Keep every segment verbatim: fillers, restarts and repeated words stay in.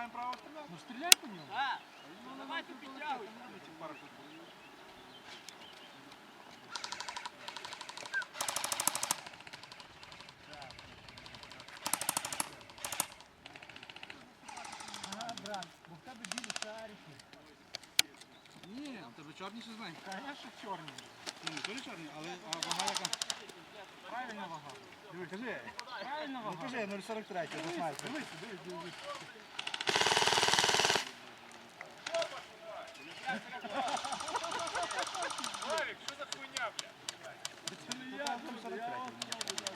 маємо право стріляти. Ну стріляй по ньому. Так. Ну давайте підтягуйте. Ага, брат, бо в тебе білі шарики. Ні, у тебе чорні чи знаєш? Конечно, чорні. Ну, не то чорні, але а вага яка? Правильна вага. Диви, кажи. Правильна Ну вага. кажи, нуль сорок три, до снайпера. Дивись, дивись, дивись. Валік, що за хуйня, бля? Це не я, нуль сорок три.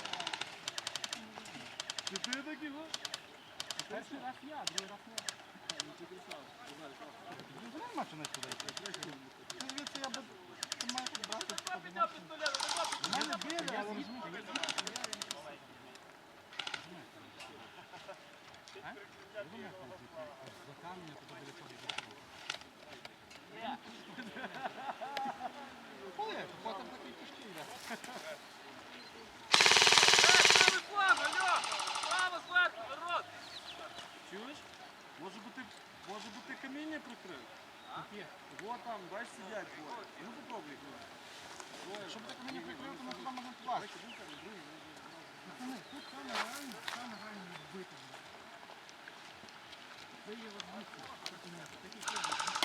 Чи ти такий, го? Перший раз я, другий раз не. Ну, нема що не туди йти. Ну, звідси я би... Ти маєш брати... Підняв пістолет, У мене били, але розумієш. За каміння туди біля цього йде. Коли? Потім такий тяжкий йде. Правий фланг, алло! Право, зверху, народ! Чуєш? Може бути, може бути каміння прикрив? Вот там, бачиш, сидять двоє. Ну попробуй. Щоб так мені прикрив, то ми туди можемо плачити. Пацани, тут саме реально, саме реально відбити. Це є возможність. Такі